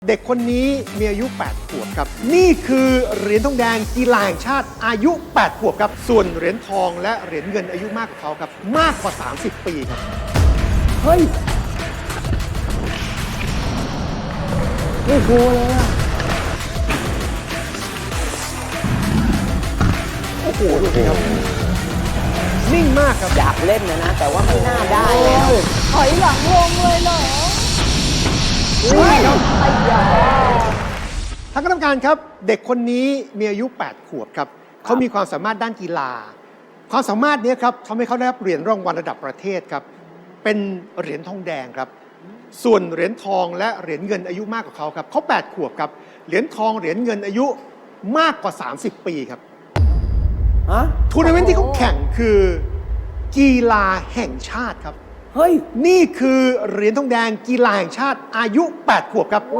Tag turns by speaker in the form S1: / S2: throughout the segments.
S1: เด็กคนนี้มีอายุ 8 ขวบครับนี่คือเหรียญทองแดงกีฬาแห่งชาติอายุ 8 ขวบครับส่วนเหรียญทองและเหรียญเงินอายุมากกว่าเขาครับมากกว่า 30 ปีครับ
S2: เฮ้ยไม่กลัวเลยอะ
S1: โอ้โหดูสิครับนิ่งมากครับ
S3: อยากเล่นนะ แต่ว่าไม่น่าได้แล้ว
S4: ถอยหลังวงเลยเหรอ
S1: ครับท่านคณะกรรมการครับเด็กคนนี้มีอายุ 8 ขวบครับเขามีความสามารถด้านกีฬาความสามารถนี้ครับทำให้เขาได้รับเหรียญรางวัลระดับประเทศครับเป็นเหรียญทองแดงครับส่วนเหรียญทองและเหรียญเงินอายุมากกว่าเขาครับเขา8 ขวบครับเหรียญทองเหรียญเงินอายุมากกว่า 30 ปีครับทัวร์นาเมนต์ที่เขาแข่งคือกีฬาแห่งชาติครับ
S3: เฮ้ย
S1: นี่คือเหรียญทองแดงกีฬาแห่งชาติอายุ 8 ขวบครับ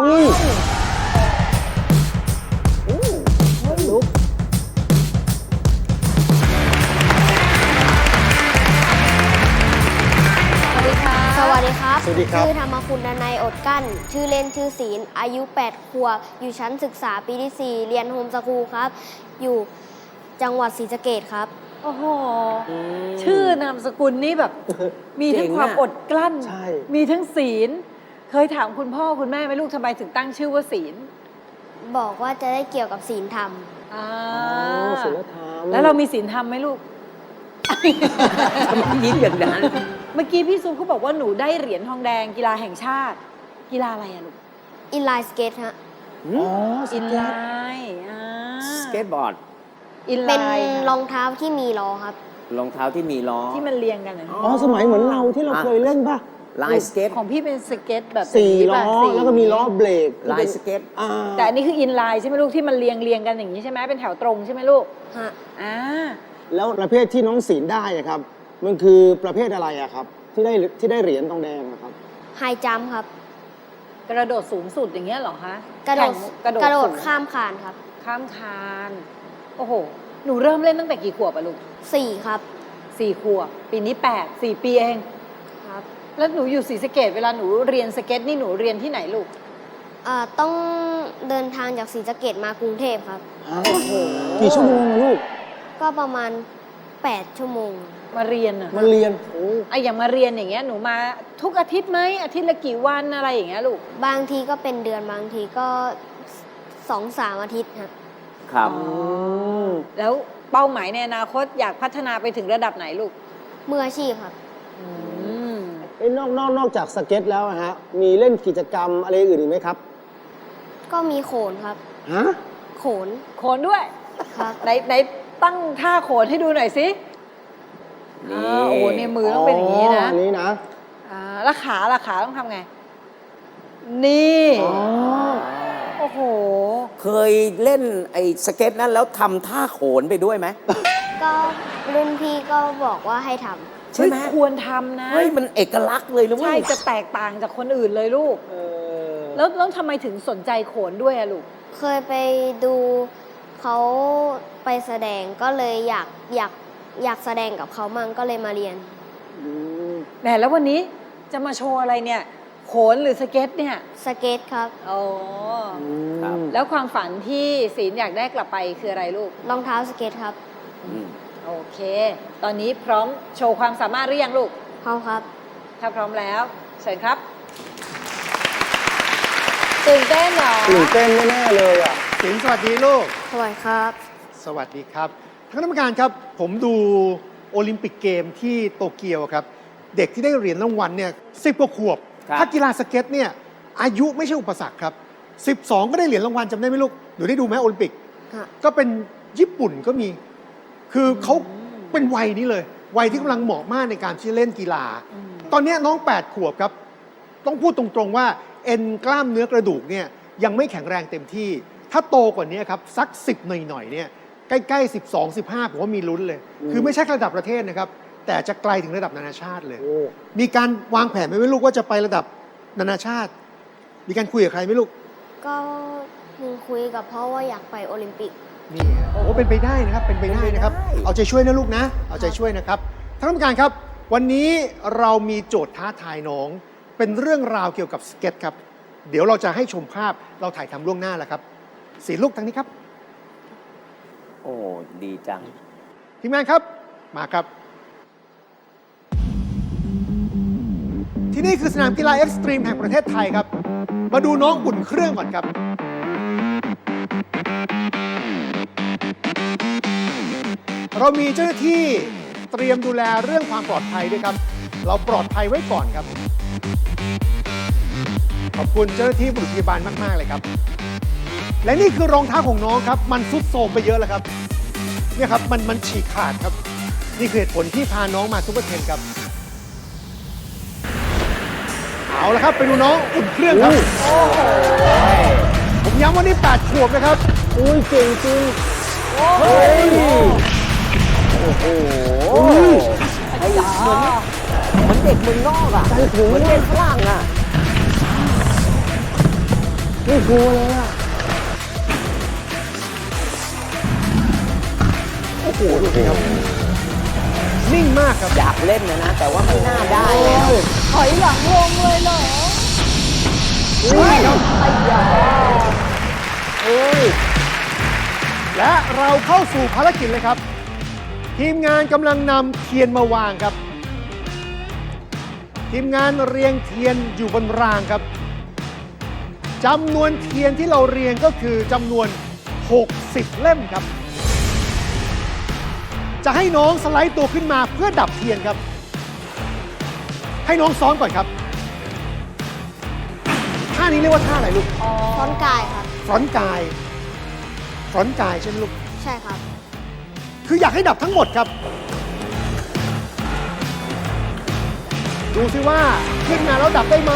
S4: สวัสดีครับ
S1: สวัสดีครับ
S4: ชื่อธรรมคุณดนัยอดกั้นชื่อเล่นชื่อศีลอายุ 8 ขวบอยู่ชั้นศึกษาปีที่ 4 เรียนโฮมสคูลครับอยู่จังหวัดศรีสะเกษครับ
S5: โอ้โหชื่อนามสกุลนี่แบบ มีทั้งความอดกลั้นมีทั้งศีลเคยถามคุณพ่อคุณแม่ไหมลูกทำไมถึงตั้งชื่อว่าศีล
S4: บอกว่าจะได้เกี่ยวกับศีลธรรม
S2: ศีลธรรม
S5: แล้วเรามีศีลธรรมไหมลูก
S3: ทำไมยิ้มอย่างนั้น
S5: เมื่อกี้พี่ซุปเขาบอกว่าหนูได้เหรียญทองแดงกีฬาแห่งชาติกีฬาอะไรอะลูก
S4: อินไลน์สเก็ตฮะ
S5: อินไลน์
S3: สเก็ตบอร์ด
S4: เป็นรองเท้าที่มีล้อครับ
S3: รองเท้าที่มีล้อ
S5: ที่มันเรียงกัน
S2: สมัยเหมือนเราที่เราเคยเล่นป่ะ
S3: ลายสเก็ต
S5: ของพี่เป็นสเก็ตแบบ
S2: 4 ล้อแล้วก็มีล้อเบรก
S3: ลายสเก็ต
S5: แต่อันนี้คืออินไลน์ใช่ไหมลูกที่มันเรียงกันอย่างนี้ใช่ไหมเป็นแถวตรงใช่ไหมลูก
S4: ฮะ
S2: แล้วประเภทที่น้องศีลได้ครับมันคือประเภทอะไรอะครับที่ได้เหรียญทองแดงครับ
S4: ไฮจัมป์ครับ
S5: กระโดดสูงสุดอย่างเงี้ยหรอคะ
S4: กระโดดข้ามคานครับ
S5: ข้ามคานโอ้โหหนูเริ่มเล่นตั้งแต่กี่ขวบอะลูก
S4: 4 ครับ
S5: 4 ขวบปีนี้8 4 ปีเอง
S4: ครับ
S5: แล้วหนูอยู่ศรีสะเกษเวลาหนูเรียนสเก็ตนี่หนูเรียนที่ไหนลูก
S4: ต้องเดินทางจากศรีสะเกษมากรุงเทพครับ
S2: โอ้โหกี่ชั่วโมงลูก
S4: ก็ประมาณ8 ชั่วโมง
S5: มาเรียน
S2: มาเรียน
S5: อย่างมาเรียนอย่างเงี้ยหนูมาทุกอาทิตย์ไหมอาทิตย์ละกี่วันอะไรอย่างเงี้ยลูก
S4: บางทีก็เป็นเดือนบางทีก็2-3 อาทิตย์
S3: ครับ
S5: แล้วเป้าหมายในอนาคตอยากพัฒนาไปถึงระดับไหนลูก
S4: มืออาชีพครับ
S2: นอกจากสเก็ตแล้วฮะมีเล่นกิจกรรมอะไรอื่นอีกไหมครับ
S4: ก็มีโขนครับโขน
S5: ด้วย
S4: ครับ
S5: ไหนตั้งท่าโขนให้ดูหน่อยสิโอ้โหในมือต้องเป็นอย่างนี้นะ
S2: นี่นะ
S5: แล้วขาต้องทำไงนี่โอ้โห
S3: เคยเล่นไอ้สเก็ตนั้นแล้วทำท่าโขนไปด้วยไหม
S4: ก็รุ่นพี่ก็บอกว่าให้ทำ
S5: ใช่ไหมควรทำนะ
S3: เฮ้ยมันเอกลักษณ์เลยนะ
S5: ใช่จะแตกต่างจากคนอื่นเลยลูกแล้วทำไมถึงสนใจโขนด้วยอะลูก
S4: เคยไปดูเขาไปแสดงก็เลยอยากแสดงกับเขามั่งก็เลยมาเรียน
S5: แหมแล้ววันนี้จะมาโชว์อะไรเนี่ยโขนหรือสเก็ตเนี่ย
S4: สเก็ตครับ
S5: แล้วความฝันที่ศีลอยากได้กลับไปคืออะไรลูก
S4: รองเท้าสเก็ตครับ
S5: โอเคตอนนี้พร้อมโชว์ความสามารถหรือยังลูก
S4: พร้อมครับ
S5: ถ้าพร้อมแล้วเชิญครับตื่นเต้นเหรอ
S2: ตื่นเต้นแน่ๆเลยอ่ะ
S1: ศีลสวัสดีลูก
S4: สวัสดีครับ
S1: สวัสดีครับท่านคณะกรรมการครับผมดูโอลิมปิกเกมที่โตเกียวครับเด็กที่ได้เหรียญรางวัลเนี่ย10 กว่าขวบถ้ากีฬาสเก็ตเนี่ยอายุไม่ใช่อุปสรรคครับ12ก็ได้เหรียญรางวัลจำได้ไหมลูกหนูได้ดูไหมโอลิมปิกก็เป็นญี่ปุ่นก็มีคือเขาเป็นวัยนี้เลยวัยที่กำลังเหมาะมากในการที่จะเล่นกีฬาตอนนี้น้อง8 ขวบครับต้องพูดตรงๆว่าเอ็นกล้ามเนื้อกระดูกเนี่ยยังไม่แข็งแรงเต็มที่ถ้าโตกว่านี้ครับสัก10หน่อยๆเนี่ยใกล้ๆ12-15ผมว่ามีลุ้นเลยคือไม่ใช่ระดับประเทศนะครับแต่จะไกลถึงระดับนานาชาติเลยมีการวางแผนไหมลูกว่าจะไประดับนานาชาติมีการคุยกับใครไหมลูก
S4: ก็คุยกับพ่อว่าอยากไปโอลิมปิก
S1: นี่โอ้เป็นไปได้นะครับเป็นไปได้นะครับเอาใจช่วยนะลูกนะเอาใจช่วยนะครับท่านผู้การครับวันนี้เรามีโจทย์ท้าทายน้องเป็นเรื่องราวเกี่ยวกับสเก็ตครับเดี๋ยวเราจะให้ชมภาพเราถ่ายทำล่วงหน้าแล้วครับสีลูกทางนี้ครับ
S3: โอ้ดีจัง
S1: ทีมงานครับมาครับ ที่นี่คือสนามกีฬาเอ็กซ์ตรีมแห่งประเทศไทยครับ มาดูน้องอุ่นเครื่องก่อนครับ เรามีเจ้าหน้าที่เตรียมดูแลเรื่องความปลอดภัยด้วยครับ เราปลอดภัยไว้ก่อนครับ ขอบคุณเจ้าหน้าที่บุรุษพยาบาลมากๆเลยครับ และนี่คือรองเท้าของน้องครับ มันทรุดโทรมไปเยอะแล้วครับเนี่ยครับมันฉีกขาดครับ นี่คือเหตุผลที่พาน้องมาซุปเปอร์เทนครับ เอาละครับไปดูน้องอุ่นเครื่องครับผมย้ำว่านี่8 ขวบนะครับ
S2: อุ้ยเก่งจริง
S3: เฮ้ย โอ้โหไอ้เหมือนเด็กเมืองนอกอ่ะ
S2: ใจถึง
S3: เหมือนเด็กฝรั่งอ่ะ
S2: ไม่กลัวเลยอ่ะ
S1: โอ้โหดูสิครับ นิ่งมากครับ
S3: อยากเล่นนะ แต่ว่าไม่น่าได้แล้ว
S5: ถอยหลังลงเลยเหรอ
S1: นี่ครับ
S2: เฮ้ย
S1: และเราเข้าสู่ภารกิจเลยครับ ทีมงานกำลังนำเทียนมาวางครับ ทีมงานเรียงเทียนอยู่บนรางครับจำนวนเทียนที่เราเรียงก็คือจำนวน 60 เล่มครับ จะให้น้องสไลด์ตัวขึ้นมาเพื่อดับเทียนครับ ให้น้องซ้อมก่อนครับท่านี้เรียกว่าท่าอะไรลูก
S4: ฟอนต์กายครับ
S1: ฟรอนต์กายฟรอนต์กายใช่ไหมลูก
S4: ใช่ครับ
S1: คืออยากให้ดับทั้งหมดครับ ดูซิว่าขึ้นมาแล้วดับได้ไหม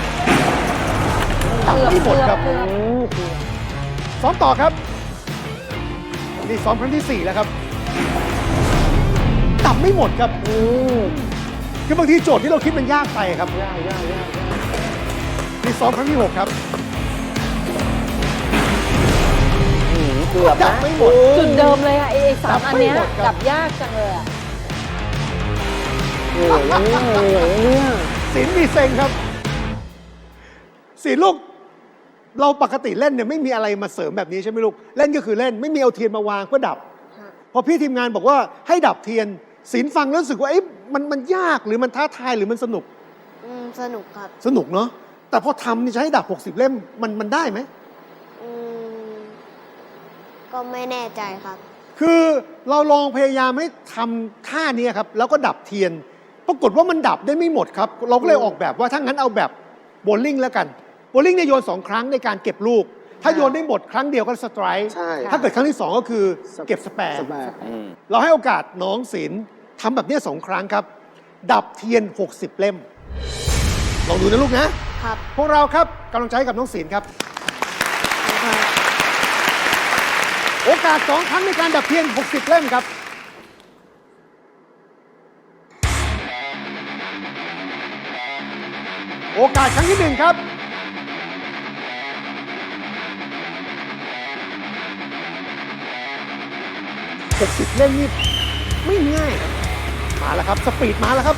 S1: ดับไม่หมดครับ ซ้อมต่อครับนี่ซ้อมครั้งที่ 4 แล้วครับ ดับไม่หมดครับคือบางทีโจทย์ที่เราคิดมันยากไปครับนี่ซ้อมครั้งที่ 6 ครับ
S3: เกือบ
S1: ดับ
S3: นะ
S1: ไม่หมด
S5: จุดเดิมเลยอะไอ้สามอันเนี้ย
S1: ดับไม่หมดครับ
S5: ดับยากจังเลยอะ
S2: เหนื่อยนะเนี่ยเหนื่อยนะเนี่ย
S1: ศีลมีเซ็งครับศีลลูก เราปกติเล่นเนี่ยไม่มีอะไรมาเสริมแบบนี้ใช่ไหมลูก เล่นก็คือเล่นไม่มีเอาเทียนมาวางเพื่อดับ พอพี่ทีมงานบอกว่าให้ดับเทียนศีลฟังแล้วรู้สึกว่าเอ๊ะมันยากหรือมันท้าทายหรือมันสนุก
S4: สนุกครับ
S1: สนุกเนาะแต่พอทำนี่จะให้ดับ 60 เล่มมันได้ไหม
S4: อืมก็ไม่แน่ใจครับ
S1: คือเราลองพยายามให้ทำท่านี้ครับแล้วก็ดับเทียน ปรากฏว่ามันดับได้ไม่หมดครับ เราก็เลยออกแบบว่าถ้างั้นเอาแบบโบว์ลิ่งแล้วกันโบว์ลิ่งเนี่ยโยน2 ครั้งในการเก็บลูก ถ้าโยนได้หมดครั้งเดียวก็สไตร์
S2: ใช่
S1: ถ้าเกิดครั้งที่ 2 ก็คือเก็บสแปร์
S2: สบาย
S1: เราให้โอกาสน้องศิลป์ทำแบบนี้2 ครั้งครับ ดับเทียน 60 เล่มลองดูนะลูกนะครับ พวกเราครับกำลังใจให้กับน้องศิลป์ครับ โอกาส2 ครั้งในการดับเทียน 60 เล่มครับ โอกาสครั้งที่ 1 ครับ 60 เล่มนี่ไม่ง่ายนะมาแล้วครับ สปีดมาแล้วครับ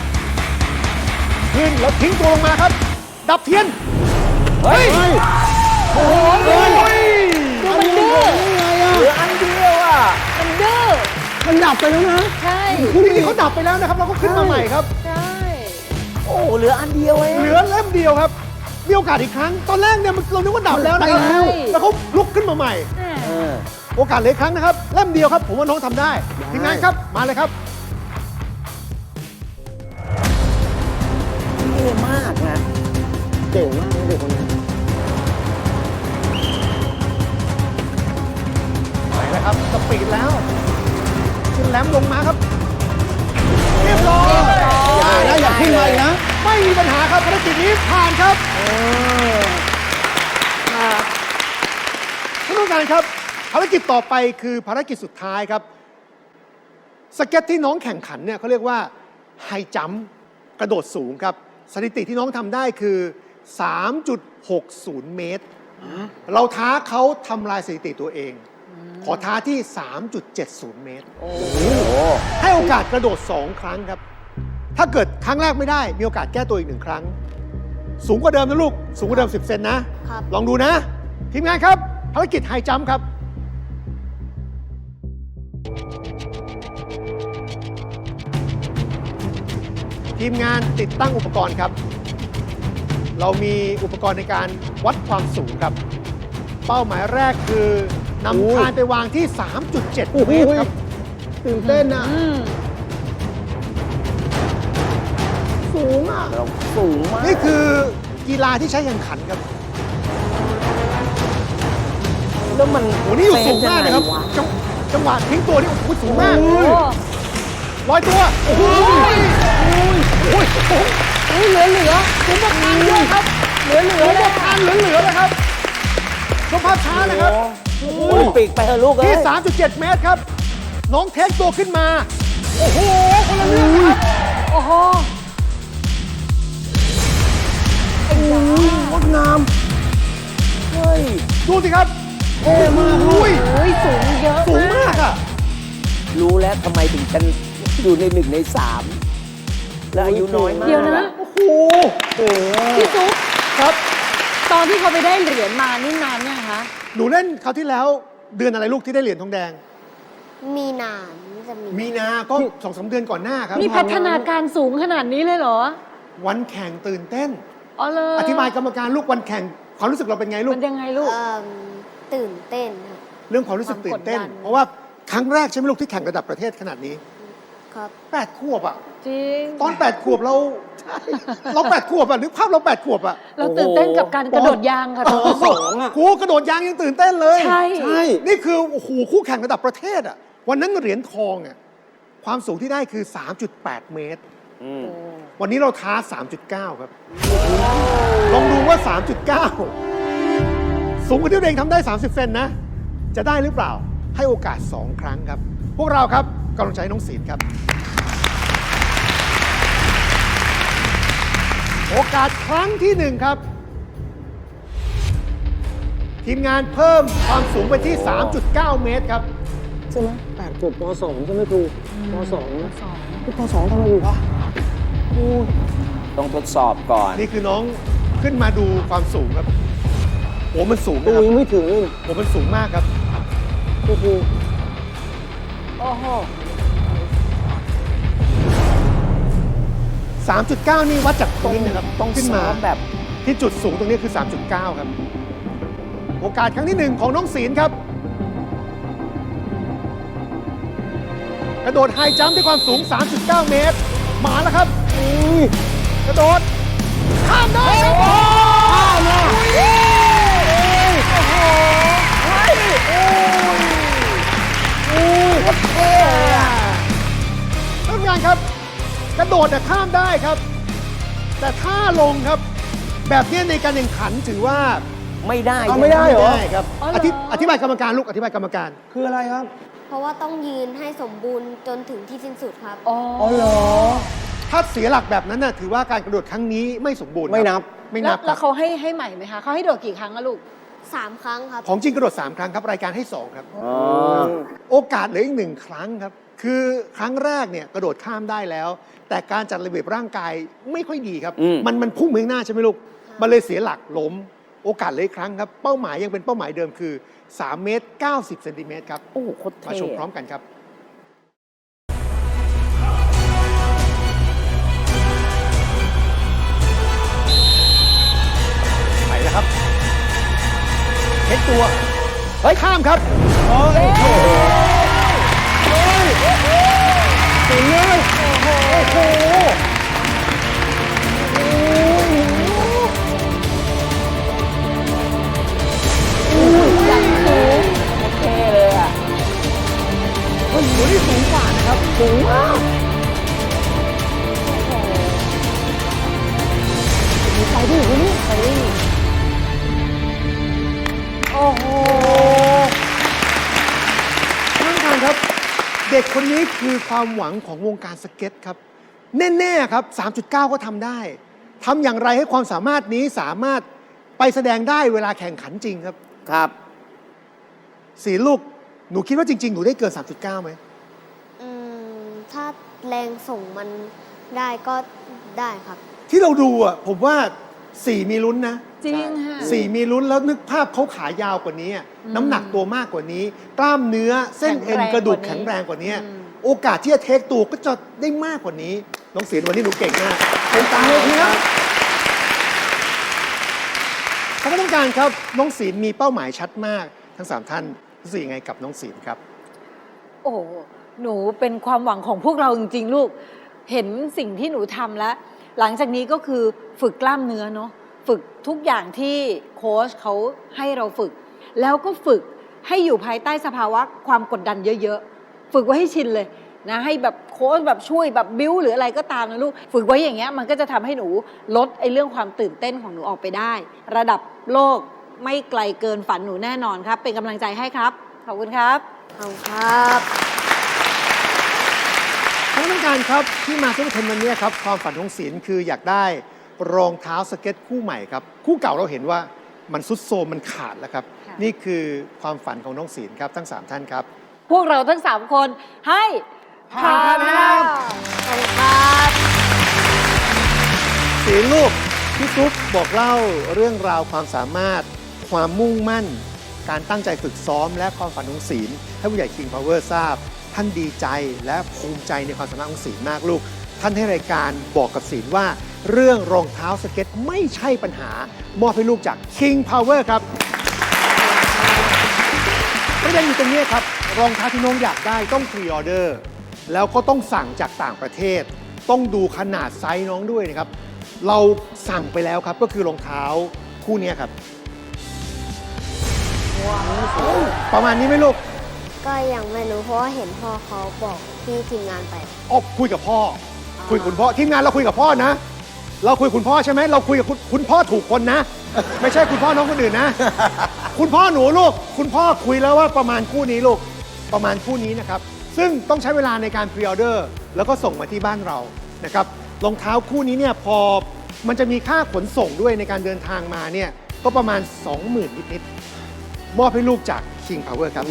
S1: ขึ้นแล้วทิ้งตัวลงมาครับ ดับเทียน เฮ้ย
S2: โอ้โห
S1: โอ้ย
S5: มันดื้อ
S3: เหลืออันเดียวอ่ะ
S5: มันดื้อ
S2: มันดับไปแล้วนะ
S5: ใช่
S1: จริงๆเขาดับไปแล้วนะครับ เราก็ขึ้นมาใหม่ครับ
S5: ใช่
S3: โอ้เหลืออันเดียวเอง
S1: เหลือเล่มเดียวครับ มีโอกาสอีกครั้ง ตอนแรกเนี่ยเรานึกว่าดับแล้วนะครับ
S2: ไปแล้ว
S1: แล้วเขาลุกขึ้นมาใหม่
S5: แหม่
S3: เออ
S1: โอกาสเหลืออกครั้งนะครับ เล่มเดียวครับ ผมว่าน้องทำได้ทีมงานครับ มาเลยครับ
S3: เท่มากนะ
S2: เก่งมากเลยเด็กคนนี้
S1: ไปแล้วครับ สปีดแล้วขึ้นแหลมลงมาครับ เรียบร้อย
S2: อย่าขึ้นมาอีกนะ
S1: ไม่มีปัญหาครับภารกิจนี้ผ่านครับท่านผู้การครับ ภารกิจต่อไปคือภารกิจสุดท้ายครับ สเก็ตที่น้องแข่งขันเนี่ยเขาเรียกว่าไฮจัมป์กระโดดสูงครับ สถิติที่น้องทำได้คือ 3.60 เมตร เราท้าเขาทำลายสถิติตัวเอง ขอท้าที่ 3.70 เมตร ให้โอกาสกระโดด 2 ครั้งครับ ถ้าเกิดครั้งแรกไม่ได้ มีโอกาสแก้ตัวอีก 1 ครั้งสูงกว่าเดิมนะลูก สูงกว่าเดิม 10 เซนนะ
S4: ครับ
S1: ลองดูนะ ทีมงานครับ ภารกิจไฮจัมป์ครับ ทีมงานติดตั้งอุปกรณ์ครับ เรามีอุปกรณ์ในการวัดความสูงครับ เป้าหมายแรกคือนำคานไปวางที่ 3.7 เมตรครับ
S2: ตื่นเต้นอ่ะ
S5: อืม
S2: สูงอ่ะ
S3: เราสูงมาก
S1: นี่คือกีฬาที่ใช้แข่งขันครับ
S3: แล้วมัน
S1: โอ้นี่อยู่สูงมากนะครับ
S3: เฟซ
S1: จังหวะทิ้งตัวนี่โอ้โหสูงมาก
S5: โอ้
S1: ลอยตัว โอ้โหโอ้ยสูง
S5: เหลือคุณประธานเยอะครับ เหลือ
S1: เหลือหมดทานเหลือๆเลยครับชมภาพช้านะครับ
S3: โอ้โหโอลิมปิกไปเถอะลูกเอ้
S1: ที่
S3: ย
S1: 3.7 เมตรครับ น้องเทคตัวขึ้นมา โอ้โห คนละเรื่องครับ
S5: โอ้โห
S2: งดงาม
S3: เฮ้ย
S1: ดูสิครับเท่มาก
S5: โอ้ยสูงเยอะ
S1: สูงมากอ่ะ
S3: รู้แล้วทำไมถึงกันอยู่ใน1 ใน 3 แล้วอายุน้อยมาก
S5: เดี๋ยวนะ
S1: โอ้โห
S5: พี่ซุป
S1: ครับ
S5: ตอนที่เขาไปได้เหรียญมานี่นานยังคะ
S1: หนูเล่นคราวที่แล้วเดือนอะไรลูกที่ได้เหรียญทองแดง
S4: มีนานจะมี
S1: มีนาก็ 2-3 เดือนก่อนหน้าครับ
S5: นี่พัฒนาการสูงขนาดนี้เลยเหรอ
S1: วันแข่งตื่นเต้น
S5: อ๋อเลย
S1: อธิบายกรรมการลูกวันแข่งความรู้สึกเราเป็นไงลูก
S5: มันยังไงลูก
S4: ตื่นเต้นครับ
S1: เรื่องความรู้สึกตื่นเต้น
S5: ความกดดัน
S1: เพราะว่าครั้งแรกใช่ไหมลูกที่แข่งระดับประเทศขนาดนี้
S4: ครับ
S1: 8 ขวบอ่ะ
S5: จริง
S1: ตอน 8 ขวบเรา เรา 8 ขวบอ่ะนึกภาพเรา 8 ขวบอ่ะ
S5: เราตื่นเต้นกับการกระโดดยางค่ะตอนนั้น
S2: สองอ่ะ
S1: ครูกระโดดยางยังตื่นเต้นเลย
S5: ใช่
S2: ใช่
S1: นี่คือโอ้โหคู่แข่งระดับประเทศอ่ะวันนั้นเหรียญทองอ่ะความสูงที่ได้คือ 3.8 เมตร
S3: อืม
S1: วันนี้เราท้า 3.9 ครับ ลองดูว่า 3.9 สูงกว่าที่ตัวเองทำได้ 30 เซนนะ จะได้หรือเปล่า ให้โอกาส 2 ครั้งครับ พวกเราครับกำลังใจน้องศีลครับ โอกาสครั้งที่ 1 ครับ ทีมงานเพิ่มความสูงไปที่ 3.9 เมตรครับ
S2: ใช่ไหม8 ขวบป .2 ใช่ไหมครูป .2 นะพี่ป .2 ทำอะไรอยู่วะ
S3: ต้องทดสอบก่อน
S1: นี่คือน้องขึ้นมาดูความสูงครับโอ้มันสูง
S2: ตู
S1: นะครับ
S2: ยังไม่ถึงเลย
S1: โอ้มันสูงมากครับ
S2: ครู
S5: โอ้โห
S1: 3.9 นี่วัดจากตรงนี้นะครับ
S3: ต้อง
S1: ขึ้นมา
S3: ซ้อมแบบ
S1: ที่จุดสูงตรงนี้คือ 3.9 ครับ โอกาสครั้งที่ 1 ของน้องศีลครับ กระโดดไฮจัมป์ด้วยความสูง 3.9 เมตร มาแล้วครับ กระโดด ข้ามได้ครับข้ามนะโอ้โหเฮ้ยโอ้ยเท่อะท่านผู้การครับ กระโดดแต่ข้ามได้ครับ แต่ถ้าลงครับ แบบนี้ในการแข่งขันถือว่า
S3: ไม่ได้
S2: เอาไม่ได้เหรอ
S1: ไม่ได้ครับ
S5: อ๋อเหรอ
S1: อธิบายกรรมการลูกอธิบายกรรมการ
S2: คืออะไรครับ
S4: เพราะว่าต้องยืนให้สมบูรณ์จนถึงที่สิ้นสุดครับ
S5: อ๋อ
S2: อ๋อเหรอ
S1: ถ้าเสียหลักแบบนั้นน่ะถือว่าการกระโดดครั้งนี้ไม่สมบูรณ์
S2: ไม่นับ
S1: ไม่
S5: แล้
S1: นั
S5: ว
S1: บค
S5: แล้
S1: รั
S5: ว
S1: บ
S5: เขาให้ใหม่ไหมคะเขาให้โดดกี่ครั้งอะลูก
S4: 3 ครั้งครับ
S1: ของจริงกระโดด 3 ครั้งครับ รายการให้ 2 ครับ
S3: อ๋อ
S1: โอกาสเหลืออีก 1 ครั้งครับ คือครั้งแรกเนี่ยกระโดดข้ามได้แล้ว แต่การจัดระเบียบร่างกายไม่ค่อยดีครับ มันพุ่งไปข้างหน้าใช่ไหมลูก มันเลยเสียหลักล้ม โอกาสเหลยครั้งครับ เป้าหมายยังเป็นเป้าหมายเดิมคือ 3 เมตร 90 เซนติเมตรครับ
S3: โอ้โหโคตร
S1: มา
S3: เท่
S1: ชมพร้อมกันครับ ไปแล้วครับเช็คตัว เฮ้ย ข้ามครับโอ้ย
S2: ถึงเลย
S1: โอ้โห
S3: เท่เลยอ่ะ
S1: โอ้โหนี่สูงกว่านะครับ สูงมาก
S5: ไปดิไปดิโอ้โห
S1: ท่านประธานครับ เด็กคนนี้คือความหวังของวงการสเก็ตครับ แน่ๆครับ 3.9 ก็ทำได้ทำอย่างไรให้ความสามารถนี้สามารถไปแสดงได้เวลาแข่งขันจริงครับ
S3: ครับ
S1: สีลูก หนูคิดว่าจริง ๆ หนูได้เกิน 3.9 ไหม
S4: ถ้าแรงส่งมันได้ก็ได้ครับ
S1: ที่เราดูอ่ะผมว่า 4 มีลุ้นนะ
S5: จริงค่ะ
S1: 4 มีลุ้นแล้วนึกภาพเขาขายาวกว่านี้ น้ำหนักตัวมากกว่านี้ กล้ามเนื้อเส้นเอ็นกระดูกแข็งแรงกว่านี้ โอกาสที่จะเทคตัวก็จะได้มากกว่านี้ น้องศิลป์วันนี้หนูเก่งมากเป็นตามเลยทีนะท่านผู้การครับน้องศิลป์มีเป้าหมายชัดมากทั้ง 3 ท่านรู้สึกยังไงกับน้องศิลป์ครับ
S5: โอ้โหหนูเป็นความหวังของพวกเราจริงๆลูก เห็นสิ่งที่หนูทำแล้ว หลังจากนี้ก็คือฝึกกล้ามเนื้อเนาะ ฝึกทุกอย่างที่โค้ชเขาให้เราฝึก แล้วก็ฝึกให้อยู่ภายใต้สภาวะความกดดันเยอะๆ ฝึกไว้ให้ชินเลยนะ ให้แบบโค้ชแบบช่วยแบบบิ้วหรืออะไรก็ตามนะลูก ฝึกไว้อย่างเงี้ยมันก็จะทำให้หนูลดไอ้เรื่องความตื่นเต้นของหนูออกไปได้ ระดับโลกไม่ไกลเกินฝันหนูแน่นอนครับ เป็นกำลังใจให้ครับ ขอบคุณครับ
S4: ขอบคุณครับ
S1: ท่านผู้การครับที่มาซุปเปอร์เทนวันนี้ครับความฝันของศิลป์คืออยากได้รองเท้าสเก็ตคู่ใหม่ครับคู่เก่าเราเห็นว่ามันซุดโทรมมันขาดแล้วครับ
S5: ค่ะ
S1: นี่คือความฝันของน้องศิลป์ครับทั้ง 3 ท่านครับ
S5: พวกเราทั้ง 3 คนให้ผ่านครับ
S4: ขอบคุณครับ
S1: ศิลป์ลูกพี่ซุปบอกเล่าเรื่องราวความสามารถ ความมุ่งมั่น การตั้งใจฝึกซ้อม และความฝันของศิลป์ให้ผู้ใหญ่ King Power ทราบ ท่านดีใจและภูมิใจในความสามารถของศิลป์มากลูก ท่านให้รายการบอกกับศิลป์ว่า เรื่องรองเท้าสเก็ตไม่ใช่ปัญหามอบให้ลูกจาก King Power ครับประเด็นอยู่ตรงนี้ครับรองเท้าที่น้องอยากได้ต้องพรีออเดอร์แล้วก็ต้องสั่งจากต่างประเทศ ต้องดูขนาดไซส์น้องด้วยนะครับ เราสั่งไปแล้วครับก็คือรองเท้าคู่นี้ครับประมาณนี้ไหมลูก
S4: ก็ยังไม่รู้เพราะว่าเห็นพ่อเขาบอกที่ทีมงานไป
S1: ออกคุยกับพ่อ คุยกับคุณพ่อทีมงานเราคุยกับพ่อนะ เราคุยกับคุณพ่อใช่ไหมเราคุยกับคุณพ่อถูกคนนะ ไม่ใช่คุณพ่อน้องคนอื่นนะ คุณพ่อหนูลูก คุณพ่อคุยแล้วว่าประมาณคู่นี้ลูกประมาณคู่นี้นะครับ ซึ่งต้องใช้เวลาในการพรีออเดอร์แล้วก็ส่งมาที่บ้านเรานะครับรองเท้าคู่นี้เนี่ยพอมันจะมีค่าขนส่งด้วยในการเดินทางมาเนี่ยก็ประมาณ 20,000 นิดๆมอบให้ลูกจาก King Power ครับ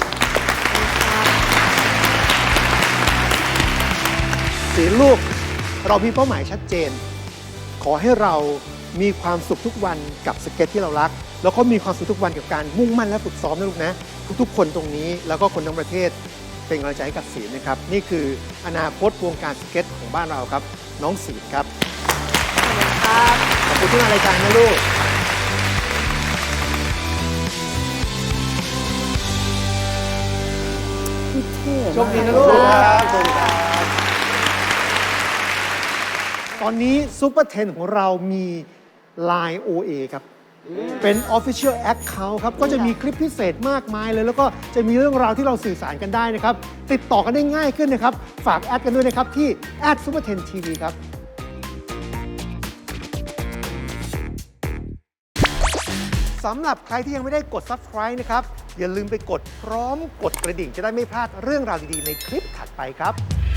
S1: สีลูกเรามีเป้าหมายชัดเจน ขอให้เรามีความสุขทุกวันกับสเก็ตที่เรารัก แล้วก็มีความสุขทุกวันกับการมุ่งมั่นและฝึกซ้อมนะลูกนะ ทุกๆ คนตรงนี้แล้วก็คนทั้งประเทศเป็นกำลังใจให้กับศิลป์นะครับ นี่คืออนาคตวงการสเก็ตของบ้านเราครับ น้องศิลป์ครับ ขอบคุณที่มารายการนะลูก โชคดีนะลูกตอนนี้ซูเปอร์เทนของเรามี Line OA ครับ เป็น Official Account ครับ ก็จะมีคลิปพิเศษมากมายเลย แล้วก็จะมีเรื่องราวที่เราสื่อสารกันได้นะครับ ติดต่อกันได้ง่ายขึ้นนะครับ ฝากแอดกันด้วยนะครับ ที่ @super10tv ครับ สำหรับใครที่ยังไม่ได้กด Subscribe นะครับ อย่าลืมไปกดพร้อมกดกระดิ่งจะได้ไม่พลาดเรื่องราวดีๆในคลิปถัดไปครับ